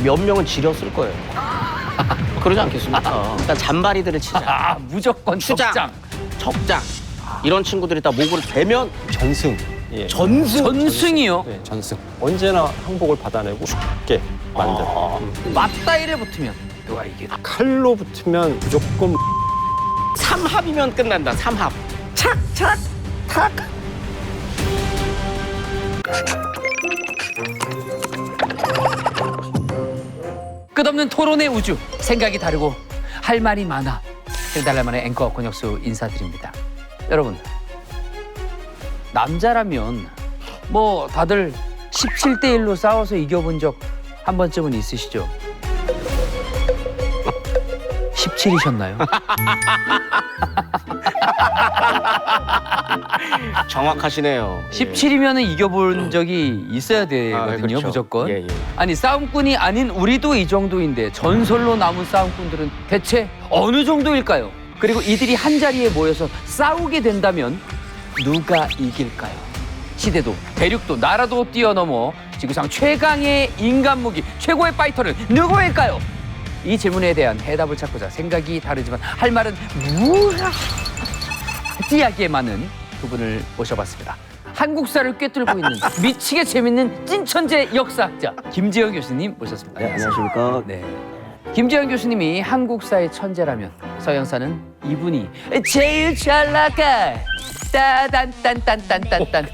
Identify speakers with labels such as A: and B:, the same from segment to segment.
A: 몇 명은 지렸을 거예요. 그러지 않겠습니까? 일단 잔바리들을 치자.
B: 아, 무조건
A: 추장,
B: 적장.
A: 적장. 이런 친구들이 다 목을 대면
C: 전승. 예.
B: 전승이요?
C: 네, 전승. 언제나 항복을 받아내고 죽게 만든.
B: 맞다이를 붙으면 누가 이기나?
C: 칼로 붙으면 무조건
A: 삼합이면 끝난다. 삼합. 착, 착, 탁.
B: 끝없는 토론의 우주, 생각이 다르고 할 말이 많아. 일달날만의 앵커 권혁수 인사드립니다. 여러분, 남자라면 뭐 다들 17대1로 싸워서 이겨본 적 한 번쯤은 있으시죠? 17이셨나요?
A: 정확하시네요.
B: 17이면 이겨본 적이 있어야 되거든요,
A: 그렇죠.
B: 무조건.
A: 예, 예.
B: 아니, 싸움꾼이 아닌 우리도 이 정도인데 전설로 남은 싸움꾼들은 대체 어느 정도일까요? 그리고 이들이 한 자리에 모여서 싸우게 된다면 누가 이길까요? 시대도 대륙도 나라도 뛰어넘어 지구상 최강의 인간 무기, 최고의 파이터는 누구일까요? 이 질문에 대한 해답을 찾고자 생각이 다르지만 할 말은 무지하게 많은 두 분을 모셔봤습니다. 한국사를 꿰뚫고 있는 미치게 재밌는 찐천재 역사학자 김지영 교수님 모셨습니다.
A: 네, 안녕하십니까.
B: 네. 김지영 교수님이 한국사의 천재라면 서양사는 이분이 제일 잘 나가. 따단딴딴딴딴딴.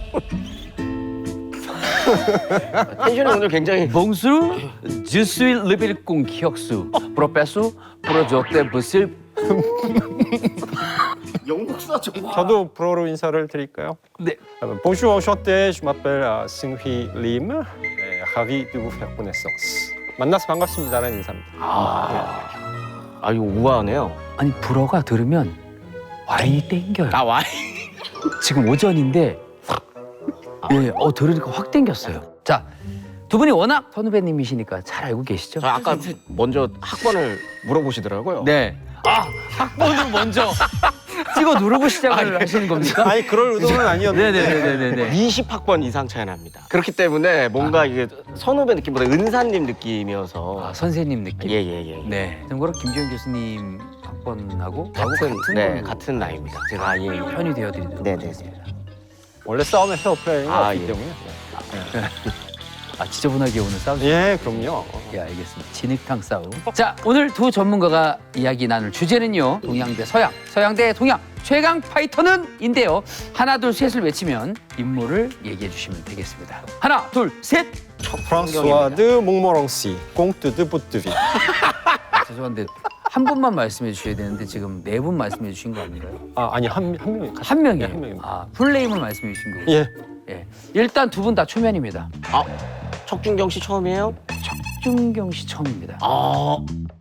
A: 텐션이 오늘 굉장히
B: 봉수 주수일 르빌공 기억수 프로페소 프로조테 부실.
A: 영국사 좀.
C: 저도 불어로 인사를 드릴까요?
B: 네.
C: Bonjour, enchanté, je m'appelle Seung-Hee Lim. Ravi de vous faire connaissance. 만나서 반갑습니다라는 인사입니다.
A: 아, 이거 우아하네요.
B: 아니 불어가 들으면 와인이 땡겨요.
A: 아, 와인.
B: 지금 오전인데 예, 들으니까 확 땡겼어요. 자, 두 분이 워낙 선후배님이시니까 잘 알고 계시죠?
A: 저 아까 먼저 학번을 물어보시더라고요.
B: 네. 아, 학번을 먼저 찍어 누르고 시작을 하시는 겁니까?
C: 아니 그럴 의도는 아니었는데.
B: 네네네네네.
A: 20학번 이상 차이 납니다. 그렇기 때문에 뭔가 이게 선후배 느낌보다 은사님 느낌이어서.
B: 아, 선생님 느낌.
A: 예예예.
B: 네. 참고로 김지영 교수님 학번하고 저하고
A: 같은
B: 네,
A: 네 같은 나이입니다. 제가 예.
B: 편이 되어드리도록
A: 네네네.
B: 하겠습니다.
C: 원래 싸움에 페어플레이가 없기
A: 예.
C: 때문에.
B: 아, 지저분하게 오늘 싸우죠?
C: 예, 그럼요.
B: 예, 알겠습니다. 진흙탕 싸움. 자, 오늘 두 전문가가 이야기 나눌 주제는요. 동양 대 서양, 서양 대 동양, 최강 파이터는 인데요. 하나, 둘, 셋을 외치면 인물을 얘기해 주시면 되겠습니다. 하나, 둘, 셋!
C: 프랑스와 드 몽모랑시, 꽁트 드 부트비.
B: 죄송한데 한 분만 말씀해 주셔야 되는데 지금 네 분 말씀해 주신 거 아닌가요?
C: 아니 한 명이.
B: 한 명이에요.
C: 네, 한 명입니다.
B: 아, 풀네임을 말씀해 주신 거고.
C: 예.
B: 예. 일단 두 분 다 초면입니다.
A: 아, 척준경 씨 처음이에요?
B: 척준경 씨 처음입니다.
A: 아,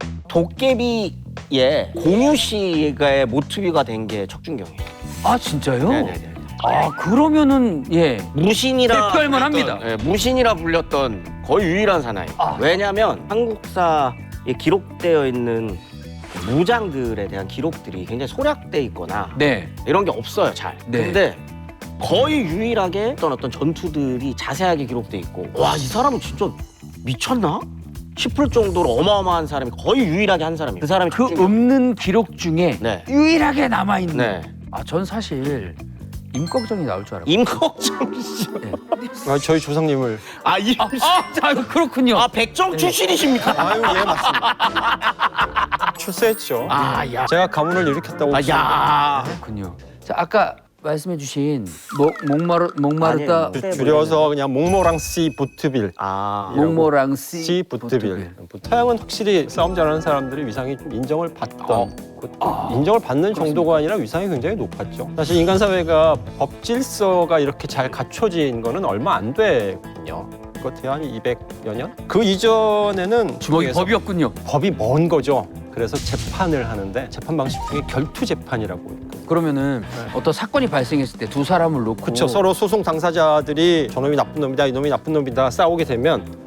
A: 도깨비의 공유 씨가 모티브가 된 게 척준경이에요.
B: 아, 진짜요?
A: 네네네.
B: 아, 그러면은 예.
A: 무신이라
B: 대표할
A: 불렸던,
B: 만합니다.
A: 예, 무신이라 불렸던 거의 유일한 사나이.
B: 아.
A: 왜냐하면 한국사에 기록되어 있는 무장들에 대한 기록들이 굉장히 소략돼 있거나
B: 네.
A: 이런 게 없어요, 잘.
B: 네.
A: 근데 거의 유일하게 어떤 전투들이 자세하게 기록돼 있고, 와, 이 사람은 진짜 미쳤나? 싶을 정도로 어마어마한 사람이 거의 유일하게 한 사람이에요. 그 사람이
B: 그
A: 척준경.
B: 없는 기록 중에
A: 네.
B: 유일하게 남아 있는.
A: 네.
B: 아, 전 사실 임꺽정이 나올 줄 알았고.
A: 임꺽정 씨.
C: 저희 조상님을.
B: 그렇군요.
A: 아, 백정 출신이십니까?
C: 아유, 예, 맞습니다. 출세했죠.
A: 아, 야.
C: 제가 가문을 일으켰다고.
A: 아, 야.
B: 그렇군요. 자, 아까 말씀해주신 목마르다
A: 아니에요.
C: 줄여서 그냥 몽모랑시 부트빌.
A: 아.
B: 목모랑씨
C: 시 부트빌. 서양은 확실히 싸움 잘하는 사람들이 위상이 좀 인정을 받던, 인정을 받는 정도가 아니라 위상이 굉장히 높았죠. 사실 인간 사회가 법 질서가 이렇게 잘 갖춰진 거는 얼마 안 됐거든요. 그것도 한 200여 년? 그 이전에는
B: 주먹이
C: 중에서
B: 법이었군요.
C: 법이 먼 거죠. 그래서 재판을 하는데 재판 방식 중에 결투 재판이라고 있거든요.
B: 그러면은 어떤 사건이 발생했을 때 두 사람을 놓고
C: 그렇죠. 서로 소송 당사자들이 저놈이 나쁜 놈이다, 이놈이 나쁜 놈이다 싸우게 되면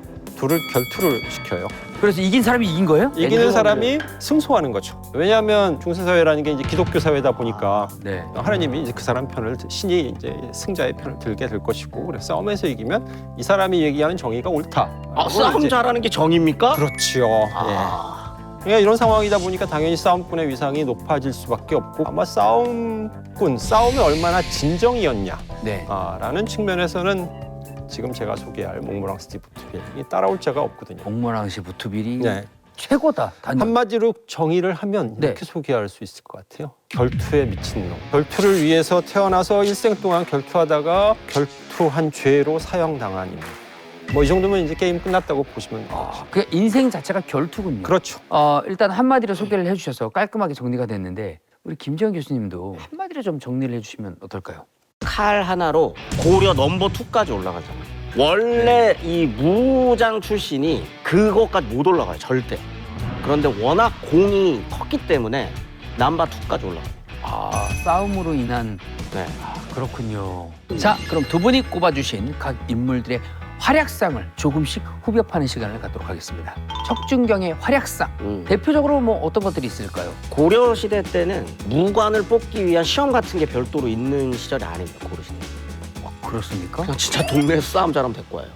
C: 둘을 결투를 시켜요.
B: 그래서 이긴 사람이 이긴 거예요?
C: 이기는 사람이 승소하는 거죠. 왜냐하면 중세사회라는 게 이제 기독교 사회다 보니까
B: 네.
C: 하나님이 이제 그 사람 편을 신이 이제 승자의 편을 들게 될 것이고, 그래서 싸움에서 이기면 이 사람이 얘기하는 정의가 옳다.
A: 싸움
C: 이제-
A: 잘하는 게 정입니까?
C: 그렇지요. 그러니까 이런 상황이다 보니까 당연히 싸움꾼의 위상이 높아질 수밖에 없고, 아마 싸움이 얼마나 진정이었냐.
B: 네.
C: 라는 측면에서는 지금 제가 소개할 몽모랑스 디 부트빌이 따라올 자가 없거든요.
B: 몽모랑시 부트빌이
C: 네.
B: 최고다.
C: 한마디로 정의를 하면
B: 네.
C: 이렇게 소개할 수 있을 것 같아요. 결투에 미친 놈. 결투를 위해서 태어나서 일생 동안 결투하다가 결투한 죄로 사형당한 인물. 뭐 이 정도면 이제 게임 끝났다고 보시면 되죠.
B: 그 인생 자체가 결투군요.
C: 그렇죠.
B: 일단 한마디로 소개를 해주셔서 깔끔하게 정리가 됐는데 우리 김지현 교수님도 한마디로 좀 정리를 해주시면 어떨까요?
A: 칼 하나로 고려 넘버 2까지 올라가잖아요. 원래 이 무장 출신이 그것까지 못 올라가요, 절대. 그런데 워낙 공이 컸기 때문에 넘버 2까지 올라가요.
B: 싸움으로 인한
A: 네.
B: 그렇군요. 자, 그럼 두 분이 꼽아주신 각 인물들의 활약상을 조금씩 후벼파는 시간을 갖도록 하겠습니다. 척준경의 활약상. 대표적으로 뭐 어떤 것들이 있을까요?
A: 고려 시대 때는 무관을 뽑기 위한 시험 같은 게 별도로 있는 시절이 아닙니다, 고려 시대.
B: 그렇습니까?
A: 그냥 진짜 동네에서 싸움 잘하면 될 거예요.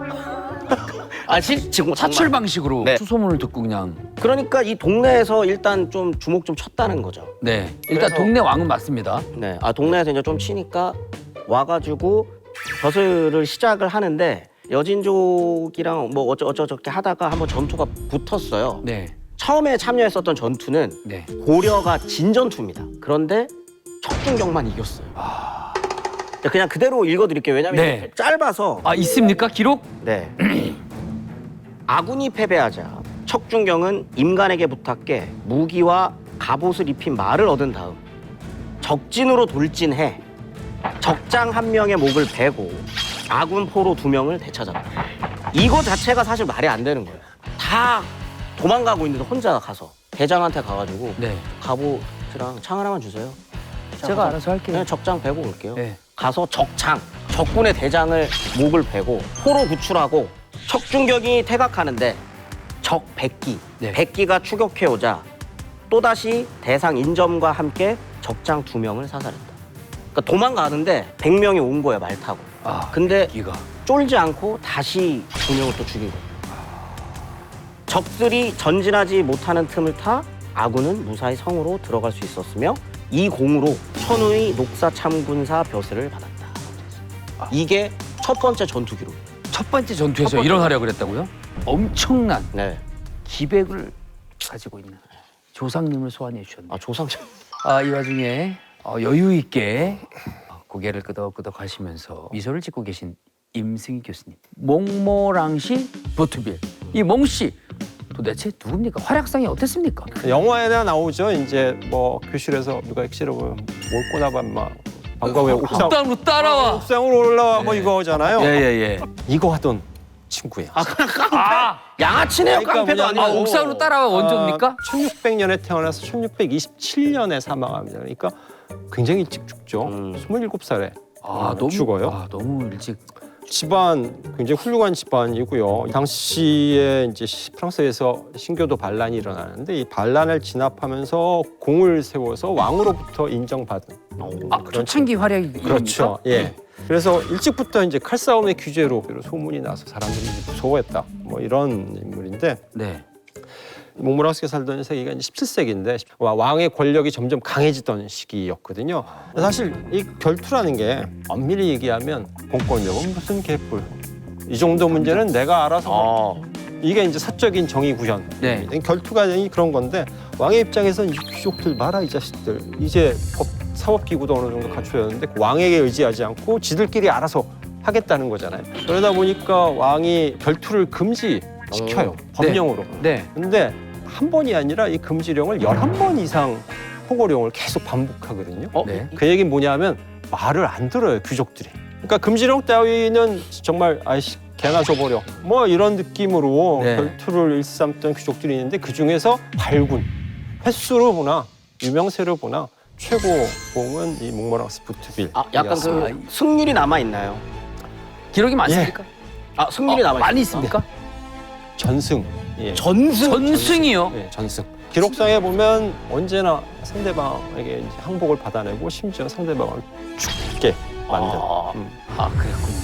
A: 지금
B: 사출 방식으로
A: 네.
B: 수소문을 듣고 그냥.
A: 그러니까 이 동네에서 일단 좀 주목 좀 쳤다는 거죠.
B: 네. 일단
A: 그래서-
B: 동네 왕은 맞습니다.
A: 네, 동네에서 이제 좀 치니까 와가지고 벼슬을 시작을 하는데 여진족이랑 뭐 어쩌저쩌게 하다가 한번 전투가 붙었어요.
B: 네.
A: 처음에 참여했었던 전투는
B: 네.
A: 고려가 진전투입니다. 그런데 척준경만 이겼어요. 그냥 그대로 읽어드릴게요. 왜냐하면
B: 네.
A: 짧아서.
B: 있습니까? 기록?
A: 네. 아군이 패배하자 척준경은 임간에게 부탁해 무기와 갑옷을 입힌 말을 얻은 다음 적진으로 돌진해 적장 한 명의 목을 베고 아군 포로 2명을 되찾았다. 이거 자체가 사실 말이 안 되는 거예요. 다 도망가고 있는데 혼자 가서 대장한테 가가지고
B: 네.
A: 갑옷이랑 창 하나만 주세요.
B: 제가 알아서 할게요.
A: 그냥 적장 베고 올게요.
B: 네.
A: 가서 적군의 대장을 목을 베고 포로 구출하고 척준경이 퇴각하는데 적 100기,
B: 네.
A: 100기가 추격해오자 또다시 대상 인점과 함께 적장 2명을 사살했다. 그러니까 도망가는데 100명이 온 거야, 말 타고. 근데
B: 기가.
A: 쫄지 않고 다시 2명을 또 죽인 거예요. 적들이 전진하지 못하는 틈을 타 아군은 무사히 성으로 들어갈 수 있었으며 이 공으로 천우의 녹사참군사 벼슬을 받았다. 이게 첫 번째 전투 기록.
B: 첫 번째 전투에서
A: 첫 번째.
B: 이런 활약을 했다고요? 엄청난
A: 네.
B: 기백을 가지고 있는 조상님을 소환해 주셨네요.
A: 조상장.
B: 이 와중에 여유 있게 고개를 끄덕끄덕 하시면서 미소를 짓고 계신 임승희 교수님. 몽모랑시 부트빌. 이 몽씨 도대체 누굽니까? 활약상이 어땠습니까?
C: 영화에나 나오죠. 이제 뭐 교실에서 누가 액시로 뭘 꼬나봐 막 방과 후에
B: 옥상으로 따라와.
C: 옥상으로 올라와 뭐
B: 네.
C: 이거잖아요.
B: 예예예.
C: 이거 하던 친구예요.
A: 그냥 깡패. 양아치네요.
C: 그러니까
A: 깡패도
C: 뭐냐면-
A: 아니고.
B: 옥상으로 따라와 원조입니까?
C: 1600년에 태어나서 1627년에 사망합니다. 그러니까 굉장히 일찍 죽죠. 27살에
B: 너무
C: 죽어요.
B: 너무 일찍.
C: 집안 굉장히 훌륭한 집안이고요. 당시에 이제 프랑스에서 신교도 반란이 일어나는데 이 반란을 진압하면서 공을 세워서 왕으로부터 인정받은 그런
B: 초창기 활약이
C: 그렇죠. 예. 그래서 일찍부터 이제 칼싸움의 규제로 소문이 나서 사람들이 무서워했다. 뭐 이런 인물인데
B: 네.
C: 몽모랑스가 살던 세기가 이제 17세기인데 왕의 권력이 점점 강해지던 시기였거든요. 사실 이 결투라는 게 엄밀히 얘기하면 공권력은 무슨 개뿔. 이 정도 문제는 내가 알아서 이게 이제 사적인 정의 구현.
B: 네.
C: 결투가 그런 건데 왕의 입장에서는 이 귀족들 봐라 이 자식들. 이제 사법기구도 어느 정도 갖춰졌는데 왕에게 의지하지 않고 지들끼리 알아서 하겠다는 거잖아요. 그러다 보니까 왕이 결투를 금지시켜요. 법령으로.
B: 네.
C: 근데 한 번이 아니라 이 금지령을 11번 이상 포고령을 계속 반복하거든요.
B: 네.
C: 그 얘기는 뭐냐면 말을 안 들어요, 귀족들이. 그러니까 금지령 따위는 정말 아이씨 개나 줘버려. 뭐 이런 느낌으로
B: 네.
C: 결투를 일삼던 귀족들이 있는데 그중에서 발군, 횟수로 보나 유명세로 보나 최고봉은 이 몽모랑스 부트빌.
A: 약간 승률이 남아 있나요?
B: 기록이 많습니까?
A: 승률이 남아 있습니까?
B: 많이 있습니까?
C: 전승이에요.
B: 전승이요?
C: 네, 전승. 기록상에 보면 언제나 상대방에게 이제 항복을 받아내고 심지어 상대방을 죽게 만든.
B: 그랬군요.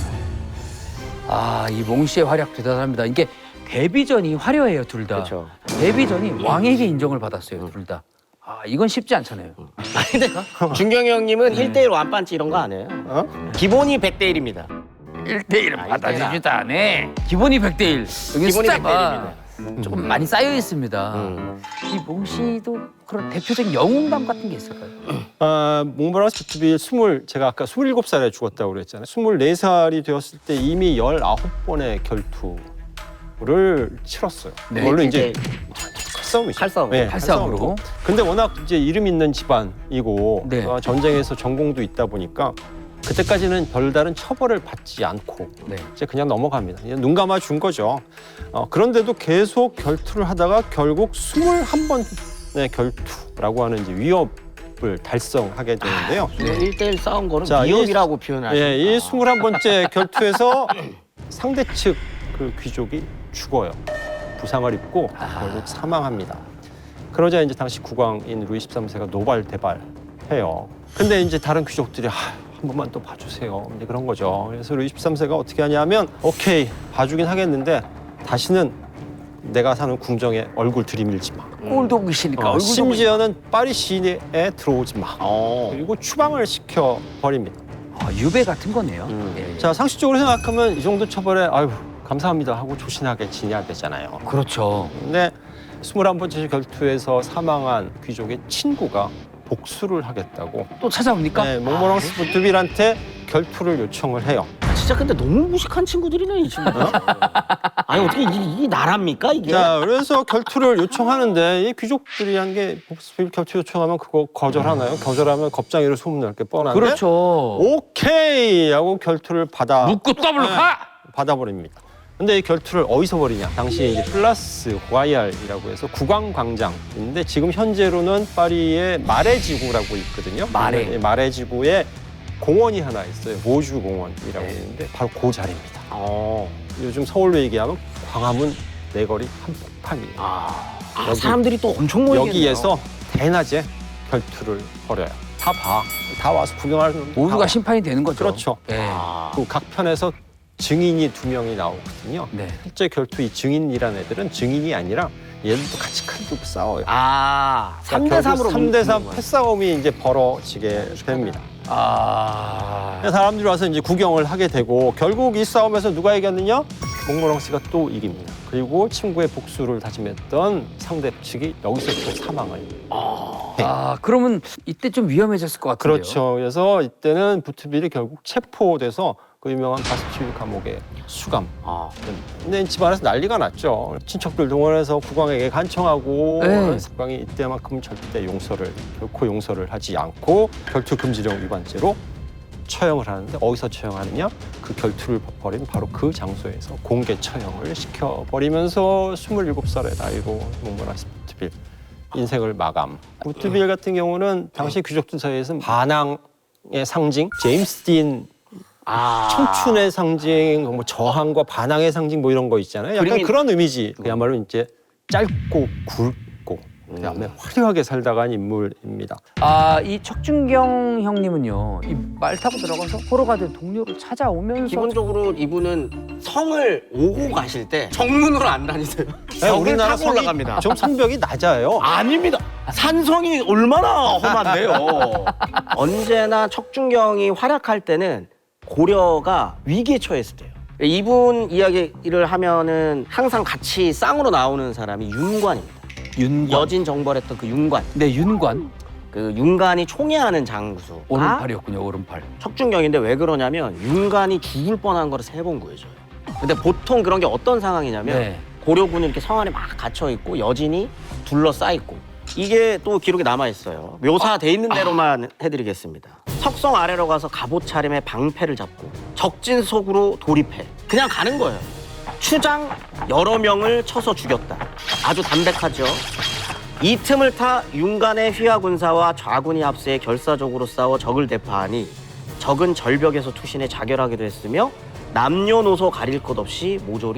B: 이 몽씨의 활약 대단합니다. 이게 데뷔전이 화려해요, 둘 다.
A: 그렇죠.
B: 데뷔전이 왕에게 인정을 받았어요, 둘 다. 이건 쉽지 않잖아요.
A: 아니 근데 준경이 형님은 1대1 완판치 이런 거 안 해요. 기본이 100대 1입니다.
B: 1대1 받아주지도 않아. 기본이 100대1. 여기
A: 기본이
B: 숫자가
A: 100대1입니다.
B: 조금 많이 쌓여 있습니다. 이 몽씨도 그런 대표적인 영웅감 같은 게 있을까요?
C: 몽모랑스 부트빌 제가 아까 27살에 죽었다고 그랬잖아요. 24살이 되었을 때 이미 19번의 결투를 치렀어요.
B: 네.
C: 그걸로 이제
A: 이제
C: 칼싸움이죠.
A: 칼싸움.
C: 네,
B: 칼싸움으로.
C: 근데 워낙 이제 이름 있는 집안이고
B: 네.
C: 전쟁에서 전공도 있다 보니까 그때까지는 별다른 처벌을 받지 않고
B: 네.
C: 이제 그냥 넘어갑니다. 그냥 눈 감아 준 거죠. 그런데도 계속 결투를 하다가 결국 21번의 결투라고 하는 이제 위협을 달성하게 되는데요.
A: 1대1 싸운 거는
C: 자,
A: 위협이라고 표현하죠.
C: 예, 이 21번째 결투에서 상대 측 그 귀족이 죽어요. 부상을 입고 결국 사망합니다. 그러자 이제 당시 국왕인 루이 13세가 노발대발해요. 근데 이제 다른 귀족들이 한 번만 또 봐주세요. 이제 그런 거죠. 그래서 루이 13세가 어떻게 하냐면 오케이 봐주긴 하겠는데 다시는 내가 사는 궁정에 얼굴 들이밀지 마.
B: 꼴도 보기 싫으니까 얼굴도
C: 심지어는 파리 시내에 들어오지 마.
A: 어.
C: 그리고 추방을 시켜 버립니다.
B: 유배 같은 거네요. 예.
C: 자 상식적으로 생각하면 이 정도 처벌에 아유 감사합니다 하고 조신하게 지내야 되잖아요.
B: 그렇죠.
C: 근데 21번째 결투에서 사망한 귀족의 친구가 복수를 하겠다고
B: 또 찾아옵니까?
C: 네, 몽모랑스 부트빌한테 결투를 요청을 해요.
A: 진짜 근데 너무 무식한 친구들이네 이 친구들. 아니 어떻게 이게 나랍니까 이게?
C: 자, 그래서 결투를 요청하는데 이 귀족들이 한 게 복수빌 결투 요청하면 그거 거절하나요? 거절하면 겁장이로 소문날 게 뻔한데
B: 그렇죠.
C: 오케이 하고 결투를
B: 묻고 더블로 가!
C: 받아버립니다. 근데 이 결투를 어디서 벌이냐? 당시에 이제 플라스 고아이알이라고 해서 국왕광장인데 지금 현재로는 파리의 마레 지구라고 있거든요.
B: 마레.
C: 이 마레 지구에 공원이 하나 있어요. 모주 공원이라고 있는데 바로 그 자리입니다. 요즘 서울로 얘기하면 광화문 내거리 한복판이에요. 여기,
A: 사람들이 또 엄청 모이겠네요.
C: 여기에서 대낮에 결투를 벌여요. 다 와서 구경하는
B: 모두가 심판이 되는 거죠.
C: 그렇죠.
B: 예.
C: 그 각 편에서 증인이 2명이 나오거든요.
B: 네.
C: 실제 결투 이 증인이라는 애들은 증인이 아니라 얘들도 같이 칼 들고 싸워요.
A: 3대 3으로
C: 3대 3 패싸움이 이제 벌어지게 됩니다. 사람들이 와서 이제 구경을 하게 되고 결국 이 싸움에서 누가 이겼느냐? 몽모랑스가 또 이깁니다. 그리고 친구의 복수를 다짐했던 상대 측이 여기서 또 사망을.
B: 그러면 이때 좀 위험해졌을 것 같은데요.
C: 그렇죠. 그래서 이때는 부트빌이 결국 체포돼서 그 유명한 바스티유 감옥에 수감. 근데 집안에서 난리가 났죠. 친척들 동원해서 국왕에게 간청하고
B: 네.
C: 국왕이 이때만큼 절대 결코 용서를 하지 않고 결투 금지령 위반죄로 처형을 하는데 어디서 처형하느냐? 그 결투를 벌인 바로 그 장소에서 공개 처형을 시켜버리면서 27살의 나이로 몽모랑스 부트빌 인생을 마감. 부트빌 같은 경우는 당시 귀족들 사이에서는 반항의 상징, 제임스 딘 청춘의 상징, 뭐 저항과 반항의 상징 뭐 이런 거 있잖아요. 약간 그런 이미지. 그야말로 이제 짧고 굵고 그다음에 화려하게 살다 간 인물입니다.
B: 이 척준경 형님은요, 이 말 타고 들어가서 포로가 된 동료를 찾아오면서
A: 기본적으로 이분은 성을 오고 가실 때 정문으로 안 다니세요. 벽을 타고 올라갑니다.
C: 좀 성벽이 낮아요.
A: 아닙니다. 산성이 얼마나 험한데요. 언제나 척준경이 활약할 때는 고려가 위기에 처했을 때요. 이분 이야기를 하면은 항상 같이 쌍으로 나오는 사람이 윤관입니다.
B: 윤관.
A: 여진 정벌했던 그 윤관.
B: 네, 윤관.
A: 그 윤관이 총애하는 장수.
B: 오른팔이었군요, 오른팔.
A: 척준경인데 왜 그러냐면 윤관이 죽을 뻔한 거를 3번 구해줘요. 근데 보통 그런 게 어떤 상황이냐면
B: 네.
A: 고려군이 이렇게 성 안에 막 갇혀 있고 여진이 둘러싸 있고 이게 또 기록에 남아 있어요. 묘사돼 있는 대로만 해드리겠습니다. 석성 아래로 가서 갑옷 차림에 방패를 잡고 적진 속으로 돌입해 그냥 가는 거예요. 추장 여러 명을 쳐서 죽였다. 아주 담백하죠. 이 틈을 타 윤관의 휘하 군사와 좌군이 앞세 결사적으로 싸워 적을 대파하니 적은 절벽에서 투신해 자결하기도 했으며 남녀노소 가릴 것 없이 모조리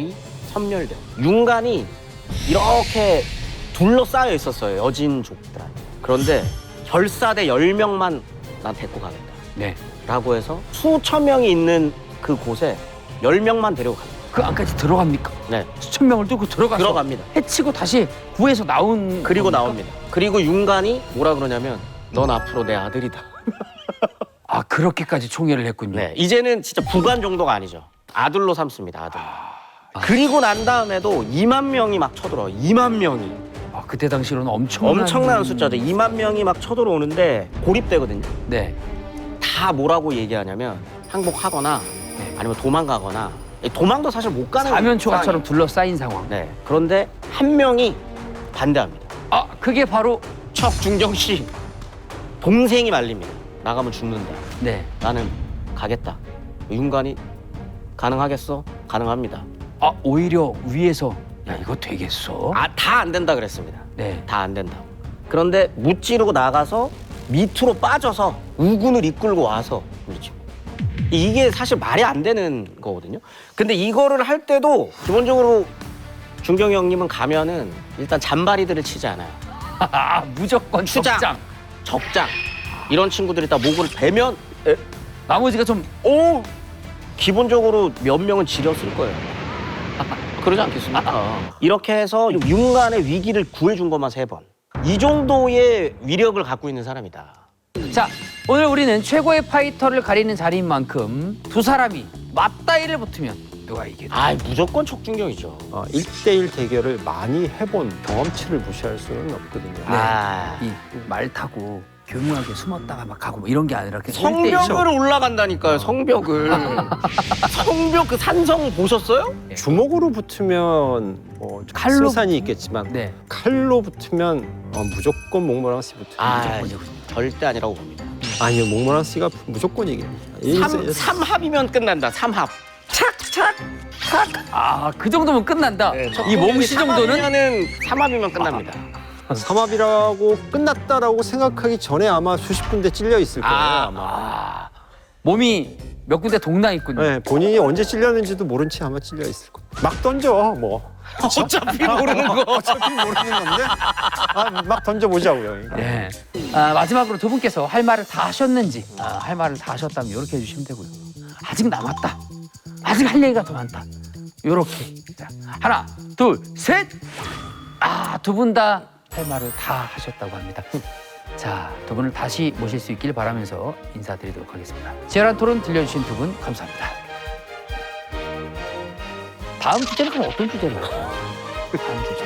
A: 섬멸된 윤관이 이렇게 둘러싸여 있었어요. 여진족들한테. 그런데 결사대 10명만 난 데리고 가겠다.
B: 네.
A: 라고 해서 수천 명이 있는 그 곳에 10명만 데리고 갑니다.
B: 그 안까지 들어갑니까?
A: 네.
B: 수천 명을 뚫고 들어가서
A: 들어갑니다.
B: 해치고 다시 구해서 나온
A: 그리고
B: 겁니까?
A: 나옵니다. 그리고 윤관이 뭐라 그러냐면 넌 앞으로 내 아들이다.
B: 아 그렇게까지 총애를 했군요.
A: 네, 이제는 진짜 부관 정도가 아니죠. 아들로 삼습니다. 아들. 그리고 난 다음에도 2만 명이 막 쳐들어요. 2만 명이.
B: 아, 그때 당시로는
A: 엄청난 숫자죠. 2만 명이 막 쳐들어오는데 고립되거든요.
B: 네.
A: 다 뭐라고 얘기하냐면 항복하거나 아니면 도망가거나 도망도 사실 못 가는
B: 사면초가처럼 둘러싸인 상황.
A: 네. 그런데 한 명이 반대합니다.
B: 아 그게 바로
A: 척중정 씨 동생이 말립니다. 나가면 죽는다.
B: 네.
A: 나는 가겠다. 윤관이 가능하겠어? 가능합니다.
B: 아 오히려 위에서 야 이거 되겠어?
A: 다 안 된다 그랬습니다.
B: 네.
A: 다 안 된다. 그런데 무찌르고 나가서 밑으로 빠져서 우군을 이끌고 와서 그렇죠. 이게 사실 말이 안 되는 거거든요. 근데 이거를 할 때도 기본적으로 중경이 형님은 가면은 일단 잔바리들을 치지 않아요.
B: 아, 무조건
A: 추장,
B: 적장.
A: 적장 이런 친구들이 다 목을 베면
B: 나머지가 좀
A: 기본적으로 몇 명은 지렸을 거예요. 그러지 않겠습니까? 이렇게 해서 윤관의 위기를 구해준 것만 3번. 이 정도의 위력을 갖고 있는 사람이다.
B: 자, 오늘 우리는 최고의 파이터를 가리는 자리인 만큼 두 사람이 맞다이를 붙으면 누가 이기나?
A: 무조건 척중경이죠.
C: 1대1 대결을 많이 해본 경험치를 무시할 수는 없거든요.
B: 이 말 타고 교묘하게 숨었다가 막 가고 뭐 이런 게 아니라 그냥
A: 성벽을 올라간다니까요. 성벽을. 성벽 그 산성 보셨어요?
C: 주먹으로 붙으면 뭐
B: 칼로
C: 승산이 있겠지만
B: 네.
C: 칼로 붙으면 무조건 목모랑 씨 붙으면
A: 절대 아니라고 봅니다.
C: 아니요, 목모랑 씨가 무조건 이깁니다.
A: 3합이면 끝난다. 3합. 착착.
B: 아, 그 정도면 끝난다.
A: 네,
B: 이 몸시 정도는
A: 3합이면 끝납니다.
C: 삼합이라고 끝났다라고 생각하기 전에 아마 수십 군데 찔려 있을 거예요. 아마.
B: 몸이 몇 군데 동나 있군요.
C: 네, 본인이 언제 찔렸는지도 모른 채 아마 찔려 있을 거예요. 막 던져 뭐.
A: 어차피 모르는 거.
C: 어차피 모르는 건데 막 던져보자고요.
B: 네. 마지막으로 두 분께서 할 말을 다 하셨는지 할 말을 다 하셨다면 이렇게 해주시면 되고요. 아직 남았다. 아직 할 얘기가 더 많다. 이렇게. 자, 하나, 둘, 셋. 두 분 다 할 말을 다 하셨다고 합니다. 자, 두 분을 다시 모실 수 있길 바라면서 인사드리도록 하겠습니다. 치열한 토론 들려주신 두 분 감사합니다. 다음 주제는 그럼 어떤 주제로 할까요? 다음 주제.